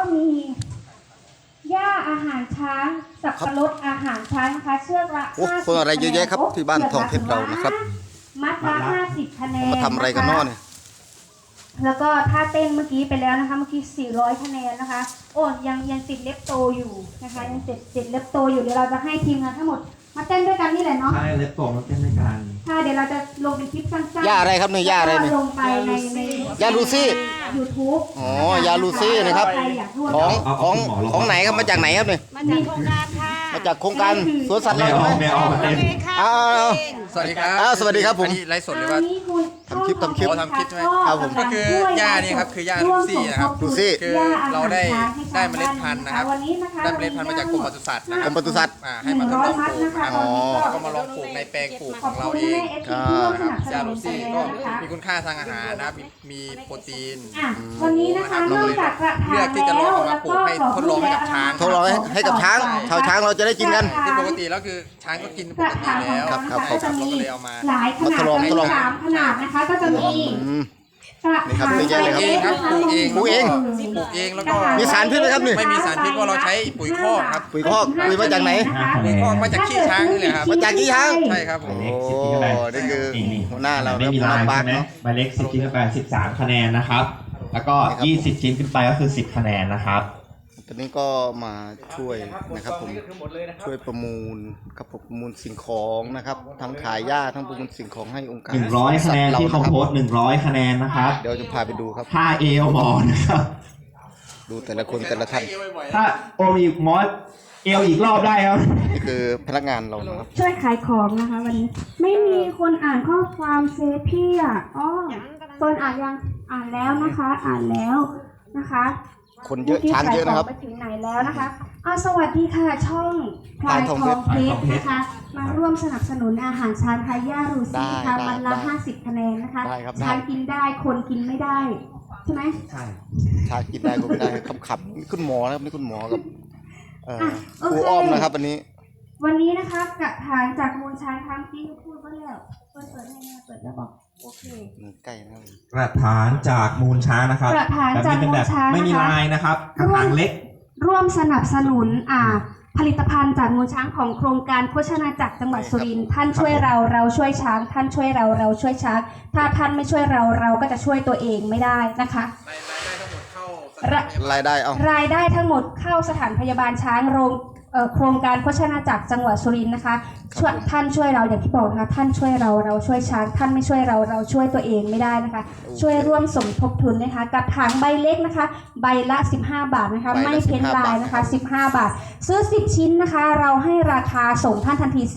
มีหญ้าอาหารช้างสับปะรดอาหารช้างนะคะเชือกละ50 คนอะไรเยอะแยะครับที่บ้านทองเพชรเรานะครับมัดละ50คะแนนมาทำอะไรกันน้อเนี่ยแล้วก็ท่าเต้นเมื่อกี้ไปแล้วนะคะเมื่อกี้400คะแนนนะคะโอ้ยังติดเล็บโตอยู่นะคะยังติดเล็บโตอยู่เดี๋ยวเราจะให้ทีมงานทั้งหมดมาเต้นด้วยกันนี่แหละเนาะใช่เล็บโตมาเต้นด้วยกันใช่เดี๋ยวเราจะลงเป็นคลิปสั้นๆย่าอะไรครับเนี่ยย่าอะไรเนี่ยลงไปในย่าลูซี่ YouTube อ๋อยาลูซี่นะครับใครอยากร่วมของไหนครับมาจากไหนครับเนี่ยมาจากโครงการค่ะมาจากโครงการสวนสัตว์เราใช่ไหมไม่เอามาเต้นเอาสวัสดีครับสวัสดีครับผมอันนี้ไลฟ์สดหรือว่าทำคลิปอ๋อทำคลิปใช่ไหมครับผมก็คือย่านี่ครับคือย่าลูซี่นะครับลูซี่คือเราได้เมล็ดพันธุ์นะครับได้เมล็ดพันธุ์มาจากกรมปศุสัตว์นะคกรัรบมปศุสัตว์ให้มาทดลองปลูกนะครับอ๋อแล้วก็มาลองปลูกในแปลงปลูกของเราเองนะครับยาลูซี่ก็มีคุณค่าทางอาหารนะครับมีโปรตีนวันนี้นะคะนอกจากกระถางเลือกที่จะลองเอามาปลูกให้ทดลองให้กับช้างทดลองให้กับช้างชาวช้างเราจะได้กินกันที่ปกติแล้วคือช้างก็กินปกระกติถางของแล้วเราครับนะคะก็จะมีเราก็เลยเอามาหลายขนาดทดลองมีทดลอง 3ขนาดนะคะก็จะมีอืมกระนี่ครับถางเยอะแยะเลยครับปลูกเองปลูกเองปลูกเองแล้วก็มีสารพิษไหมครับนี่ไม่มีสารพิษเพราะเราใช้ปุ๋ยคอกครับปุ๋ยคอกปุ๋ยมาจากไหนปุ๋ยคอกมาจากขี้ช้างนี่แหละครับมาจากขี้ช้างใช่ครับผมโอ้นี่คือหัวหน้าเราไม่มีหัวหลาน้าย ปาใช่ร์คไหมเนาะใบเล็ก10ชิ้นขึ้นไป13คะแนนนะครับแล้วก็ครับ 20ชิ้นขึ้นไปก็คือ10คะแนนนะครับตอนนี้ก็มาช่วยนะครับผมช่วยประมูลครับผมประมูลสิ่งของนะครับทั้งขายหญ้าทั้งประมูลสิ่งของให้องค์การ 100คะแนนที่เขาสัตว์โพรสต์100คะแนนนะครับเดี๋ยวจะพาไปดูครับท่าเอวหมอนะครับดูแต่ละคนแต่ละท่านถ้าโอมีมอสเอวอีกรอบได้ครับนี่คือพนักงานเรานะครับช่วยขายของนะคะวันนี้ไม่มีคนอ่านข้อความเซฟพี่อ่ะอ๋อเฟิร์นอ่านยังอ่านแล้วนะคะอ่านแล้วนะคะคนเยอะช้างเยอะนะครับไปถึงไหนแล้วนะคะสวัสดีค่ะช่องพลายทองเพชรนะคะมาร่วมสนับสนุนอาหารช้างไทยย่ารูซี่ค่ะได้วันละได้ 50คะแนนนะคะได้ครับได้ช้างกินได้คนกินไม่ได้ใช่ไหมใช่ช้างกินได้ก็ไม่ได้ขำๆนี่คุณหมอนะครับนี่คุณหมอกับคโอรูเคอ้อมนะครับวันนี้วันนี้นะคะกระถางจากมูลช้างทั้งที่พูดว่าแล้วเปิดให้แม่เปิดแล้วบอกโอเคใกล้นะครับกระถางจากมูลช้างนะครับกระถางจากแบบนี้เป็นแบบมูลช้างนะคะไม่มีลายนะครับกระถางเล็กร่วมสนับสนุนผลิตภัณฑ์จากมูลช้างของโครงการโภชนาจักรจังหวัดสุรินทร์ท่านช่วยเราเราช่วยช้างท่านช่วยเราเราช่วยช้างถ้าท่านไม่ช่วยเราเราก็จะช่วยตัวเองไม่ได้นะคะรายได้เอารายได้ทั้งหมดเข้าสถานพยาบาลช้างโครงการโภชนาจักรจังหวัดสุรินทร์นะคะช่วยท่านช่วยเราอย่างที่บอกนะคะท่านช่วยเราเราช่วยช้างท่านไม่ช่วยเราเราช่วยตัวเองไม่ได้นะคะ ช่วยร่วมสมทบทุนนะคะกับถางใบเล็กนะคะ ใบละ15 บาทนะคะไม่เพ้นลายนะคะ15 บาทซื้อ10ชิ้นนะคะเราให้ราคาส่งท่านทันที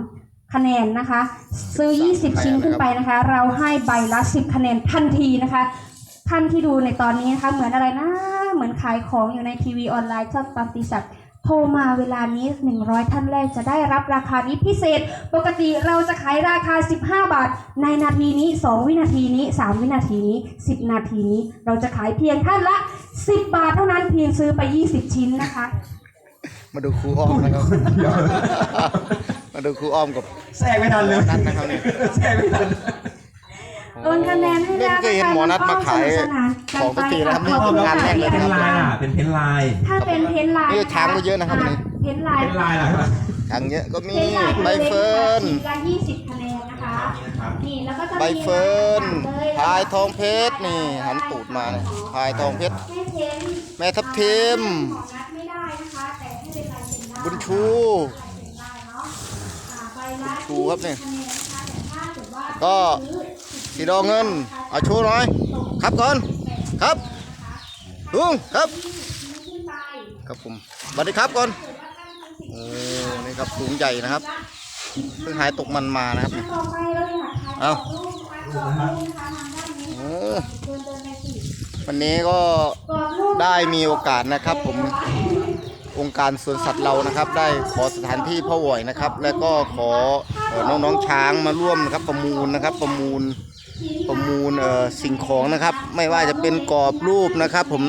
13คะแนนนะคะซื้อ20ชิ้นขึ้นไปนะคะเราให้ใบละ10คะแนนทันทีนะคะท่านที่ดูในตอนนี้นะคะเหมือนอะไรนะเหมือนขายของอยู่ในทีวีออนไลน์ช่องปฏิสัตว์โทรมาเวลานี้100ท่านแรกจะได้รับราคานี้พิเศษปกติเราจะขายราคา15 บาทในนาทีนี้2วินาทีนี้3วินาทีนี้10นาทีนี้เราจะขายเพียงท่านละ10 บาทเท่านั้นเพียงซื้อไป20ชิ้นนะคะมาดูครูอ้อมนะครับมาดูครูอ้อมกับแทรกไม่ทันเลยนัทนะครับเนี่ยแทรกไม่ทันโอนคะแนนให้แล้วไม่เคยเห็นหมอนัทมาขายของสักทีนะครับนี่ขอบคุณงานแรกเลยเป็นะนครับลายเป็นเพ้นลายถ้าเป็นเพ้นลายนี่ช้างก็เยอะนะครับวันนี้เพ้นลายเป็นลายเหรอครับช้างเยอะก็มีเพ้นลายใบเฟิร์นชิ้นละ20คะแนนนะคะนี่แล้วก็จะมีใบเฟิร์นเลยพายทองเพชรนี่หันตูดมาเนี่ยพายทองเพชรให้เพ้นแม่ทับทิมของนัดไม่ได้นะคะแต่ให้เป็นลายเซ็นได้บุญชูได้เนาะใบละชูครับเนี่ยคะแนนนะคะแต่ถ้าเกิดว่าก็ซื้อสีดองเงินเอาชูหน่อยครับก่อนครับลุงครับขึ้นไปครับผมสวัสดีครับก่อนโอ้นี่ครับสูงใหญ่นะครับเพิ่งหายตกมันมานะครับเนี่ยต่อไปเราอยากขายเอารูปนะคะกรอบรูปนะคะทางด้านนี้โอ้เดินไปสิวันนี้ก็กรอบรูปได้มีโอกาสนะครับผมองค์การสวนสัตว์เรานะครับ ได้ขอสถานที่พ่อหวอยนะครับ แล้วก็ขอน้องๆช้างมาร่วมนะครับประมูลนะครับประมูลสิ่งของนะครับ ไม่ว่าจะเป็นกรอบรูปนะครับ ผม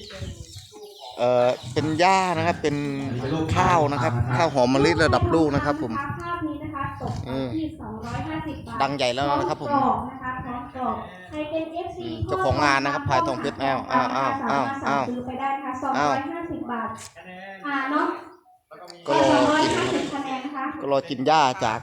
เป็นหญ้านะครับเป็นข้าวนะครับข้าวหอมมะลิระดับลูกนะครับ ผมภาพนี้นะคะตกที่250 บาทดังใหญ่แล้วนะครับผมกรอบนะคะพร้อมบอกใครเป็น FC เจ้าของงานนะครับพายทองเพชรอ้าวสามารถสั่งซื้อไปได้นะคะ250 บาทเนาะก็รอกิน 250คะแนนนะคะก็รอกินหญ้าจาก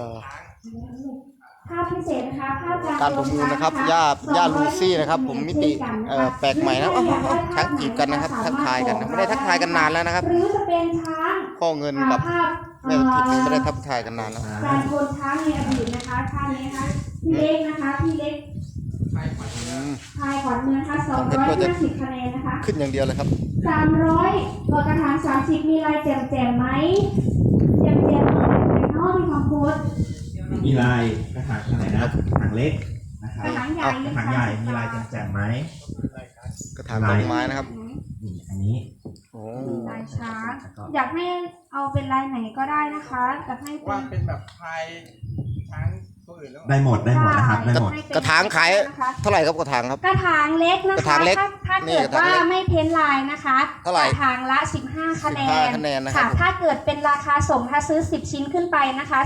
ภาพพิเศษนะคะภาพการประมูลนะครับหญ้าลูซี่นะครับ ผมมิติแปลกใหม่นะทักจีบกันนะครับทักทายกันนะไม่ได้ทักทายกันนานแล้วนะครับหรือจะเป็นช้างพ่อเงินกับแม่ทิพย์นี่ไม่ได้ทักทายกันนานแล้วการโคนช้างในอดีตนะคะท่านนี้นะคะพี่เล็กนะคะพี่เล็กพายขวัญเมืองนะคะ250คะแนนนะคะขึ้นอย่างเดียวเลยครับ 300กระถาง30มีลายแจ่มๆไหมแจ่มๆในนอกมีความโพสมีลายกระถางขนาดไหนนะกระถางเล็กนะครับกระถางใหญ่กระถางใหญ่มีลายแจ่มๆไหมกระถางต้นไม้นะครับนี่อันนี้โอ้ลายช้างอยากให้เอาเป็นลายไหนก็ได้นะคะอยากให้ว่าเป็นแบบพายช้างตัวอื่นแล้วได้หมดนะครับได้หมดกระถางขายเท่าไหร่ครับกระถางครับกระถางเล็กนะกระคะถางเล็กถ้าเกิดว่าไม่เพ้นลายนะคะเท่าไหร่กระถางละ15คะแนน 15คะแนนนะครับถ้าเกิดเป็นราคาส่งถ้าซื้อ10ชิ้นขึ้นไปนะคะ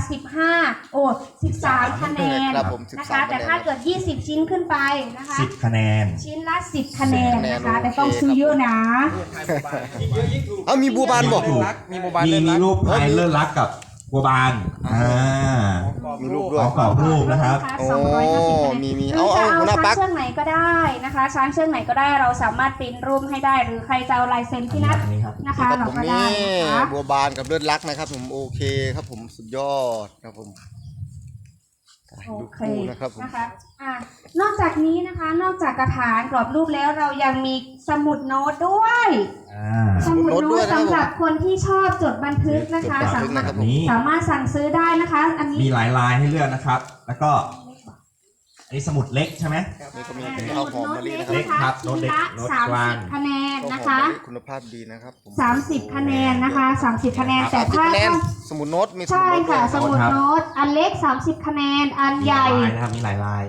13คะแนนครับผมนะคะ 13 แต่ถ้าเกิด20ชิ้นขึ้นไปนะคะ 10 คะแนนชิ้นละ10คะแนนนะคะโอเคแต่ต้องซื้อเยอะนะเอามีบัวบานบอกมีโมบายมีรูปพายเลิศรักกับบัวบานมีรูปขด้วยองกรอบรูปนะครับโอ้ 250 มีหรือจะเอาหัวหน้าช้างปักเชือกไหนก็ได้นะคะช้างเชือกไหนก็ได้เราสามารถปริ้นรูปให้ได้หรือใครจะเอาลายเซ็นที่นัดอันนี้ครับนะคะครับเราผมก็ได้นี่นะคะบัวบานกับเลือดรักนะครับผมโอเคครับผมสุดยอดครับผมโอดูเคคู่นะครับผมนะคะนอกจากนี้นะคะนอกจากกระถางกรอบรูปแล้วเรายังมีสมุดโน้ตด้วย สมุดโน้ตสำหรับคนที่ชอบจดบันทึกนะคะจดบันทึกนะครับผมสามารถสั่งซื้อได้นะคะ อันนี้มีหลายลายให้เลือกนะครับ แล้วก็อันนี้สมุดเล็กใช่ไหมนี่ก็มีข้าวหอมมะลินะคเล็รับกครับโน้ตเล็กโน้ตกลาง 30คะแนนข้าวหอมนะคะมะลิคุณภาพดีนะครับผม 30คะแนนนะคะ30คะแนนแต่ 30 ถ้าคะแนนสมุดโน้ตมีสมุดใช่โน้ตด้วค่ะยสมุดโน้ตอันเล็ก30คะแนนอันมีใหหลาญ่ยลายนะครับมีหลายลาย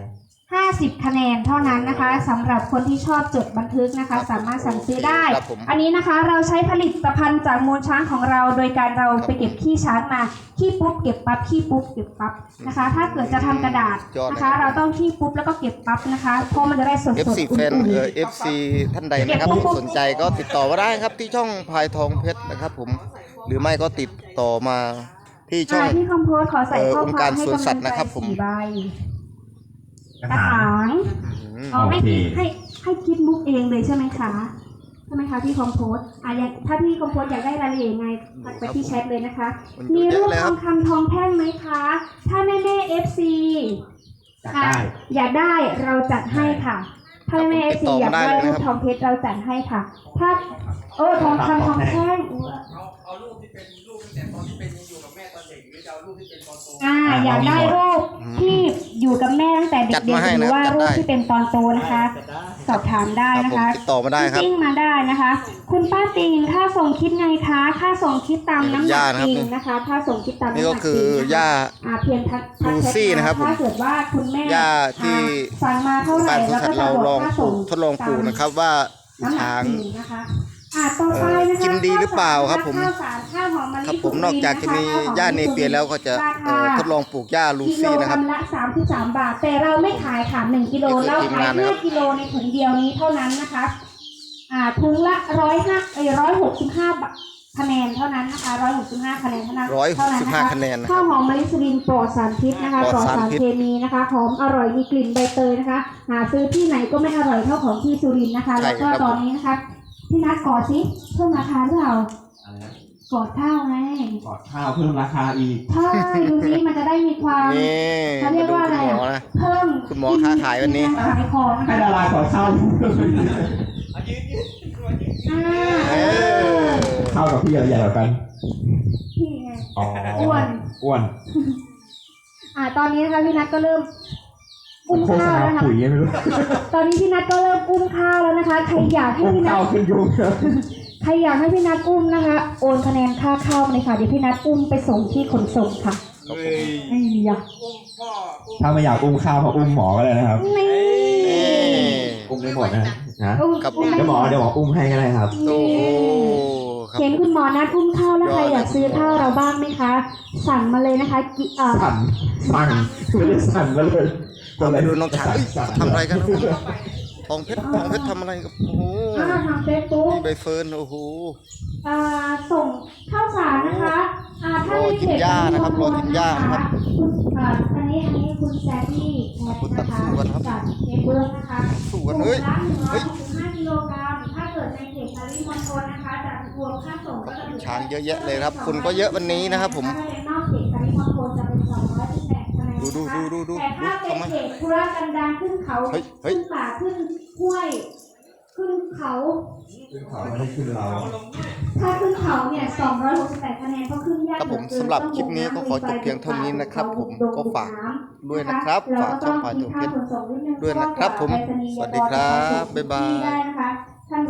50คะแนนเท่านั้นนะคะสำหรับคนที่ชอบจดบันทึกนะคะ สามารถสั่งซื้อได้ครับผมอันนี้นะคะเราใช้ผลิตภัณฑ์จากมูลช้างของเรา โดยการเราไปเก็บขี้ช้างมาขี้ปุ๊บเก็บปั๊บขี้ปุ๊บเก็บปั๊บนะคะ ถ้าเกิดจะทำกระดาษนะคะ เราต้องขี้ปุ๊บแล้วก็เก็บปั๊บนะคะเพราะมันจะได้สดๆ FC แฟนFC ท่านใดนะครับที่สนใจก็ติดต่อมาได้ครับที่ช่องพายทองเพชรนะครับผมหรือไม่ก็ติดต่อมาที่ช่องที่คอมโพสขอใส่ข้อองค์คกาวาร มให้สวนกำสัลัตงว์ใจนะครับผม 4 ใบกระกระถางถางอืมให้โอเคให้คิดมุกเองเลยใช่ไหมคะใช่ไหมคะพี่คอมโพสอย่างถ้าพี่คอมโพสอยากได้รายละเอียดยังไงทักไปที่แชทเลยนะคะ มีรูปทองคำทองแท่งไหมคะ ถ้าแม่ FC อยากได้อยากได้เราจัดให้ค่ะ ถ้าแม่ FC อยากได้รูปทองเพชรเราจัดให้ค่ะ ถ้าทองคำทองแท่งเอารูปที่เป็นรูปตั้งแต่ตอนที่เป็นยังอยู่กับแม่ตอนเด็กหรือจะเอารูปที่เป็นตอนโตอยากได้รูปที่อยู่กับแม่ตั้งแต่เด็จัดกมาให้ๆหรืนะอว่าจัดรูปได้ที่เป็นตอนโตนะคะ สอบถามได้ครับนะผมคะติดต่อมาได้ครับจิ้งมาได้นะคะ คุณป้าติงค่าส่งคิดไงคะค่าส่งคิดตามน้ำหนักจริงนะคะค่าส่งคิดตามน้ำหนักจริงนี่ก็คือหญ้าเพียงทักลูซี่นะครับผมถ้าเกิดว่าคุณแม่หญ้าที่สั่งมาเท่าไหร่การสวนแล้วสัตก็ว์จะเราบลออก งค่าปลูส่งกทดลองปลูกนะครับว่าน้ำหนักช้างจริงนะคะต่อไปนะคะกินดีหรือเปล่าครับผมข้าวสารข้าวหอมมะลิครับผมสุรินอกจากจะมีหญ้าเนเปียแล้วก็จะทดลองปลูกหญ้าลูกิโลซี่นะครับกรัมละ33 บาท แต่เราไม่ขายค่ะ1กิโลนี่คือเราทีมาย นขางนะครับ 5กิโลในถุงเดียวนี้เท่านั้นนะคะถุงละ165 บาทคะแนนเท่านั้นนะคะ165 คะแนนเท่านั้น 165 คะแนนนะคข้ารัวบหอมมะลิสุรินทร์ปลอดสารพิษนะคะปปลลออดดสารสารพิษเคมีนะคะหอมอร่อยมีกลิ่นใบเตยนะคะ หาซื้อที่ไหนก็ไม่อร่อยเท่าของที่สุรินทร์นะคะใช่แล้วก็ครับตอนนี้นะคะพี่นัทกอดสิเพิ่มราคาหรือเปล่าอะไรนะกอดข้าวไงกอดข้าวเพิ่มราคาอีกใช่ดูสิมันจะได้มีความนี่เขามาเรียกดูว่าอะคุไรณหมออ่ะนะเพิ่มคุณหมอค้าขายวันนี้ขายของนะให้คะดารากอดข้าวเออข้าวกับพี่ใหญ่กว่ากันพี่ไงอ๋ออ้วนอ้วนตอนนี้นะคะพี่นัทก็เริ่มอุ้มโฆษข้าวณาแล้วนะคะปุ๋ยไม่รู้ตอนนี้พี่นัทก็เริ่มอุ้มข้าวแล้วนะคะใครอยากให้พี่นัข้าทวขึ้นยุงใครอยากให้พี่นัทอุ้มนะคะ โอนคะแนนค่าข้าวมาเลยค่ะเดี๋ยวพี่นัทอุ้มไปส่งที่ขนส่งค่ะเฮ้ยไอ้ยะอุ้มพ่ออุ้มถ้าไม่อยากอุ้มข้าวก็อุ้มหมอก็ได้นะครับนี่นี่อุ้มได้หมดนะนะอุ้มครับอุ้มเดี๋ยวหมออุ้มให้ก็ได้ครับโอ้โหครับเห็นคุณหมอนัดอุ้มข้าวแล้วใครอยากซื้อข้าวเราบ้างไหมคะ สั่งมาเลยนะคะสั่นไม่ได้สั่นมาเลยเอาไปดูน้องช้างเอ้ยทำอะไรกันครับผมทองเพชรทำอะไรกับโอ้โหทางเฟซบุ๊กนี่ใบเฟิร์นโอ้โหส่งข้าวสารนะคะถ้าในเพจรอกินหญ้านะครับรอกินหญ้านะครับคุณอันนี้คุณแซดดี้นะคะจากเฟซบุ๊กนะคะสู้กันเฮ้ยถุงละ165กิโลกรัมถ้าเกิดในเขตปริมณฑลนะคะจะรวมค่าส่งก็จะอยู่ช้างเยอะแยะเลยครับคนก็เยอะวันนี้นะครับผมถ้าเป็นนอกเขตปริมณฑลจะเป็น218คะแนนดูแต่ถ้าเป็นเขตธุรกันดารขึ้นเขาเฮ้ยขึ้นป่าขึ้นห้วยขึ้นเขา ถ้าขึ้นเขาเนี่ย268คะแนนก็ขึ้นยากครับผมสำหรับคลิปนี้ก็ขอจบเพียงเท่านี้นะครับผมก็ฝากด้วยนะครับฝากช่องพาทุกเพชรด้วยนะครับผมสวัสดีครับบ๊ายบายได้นะคะ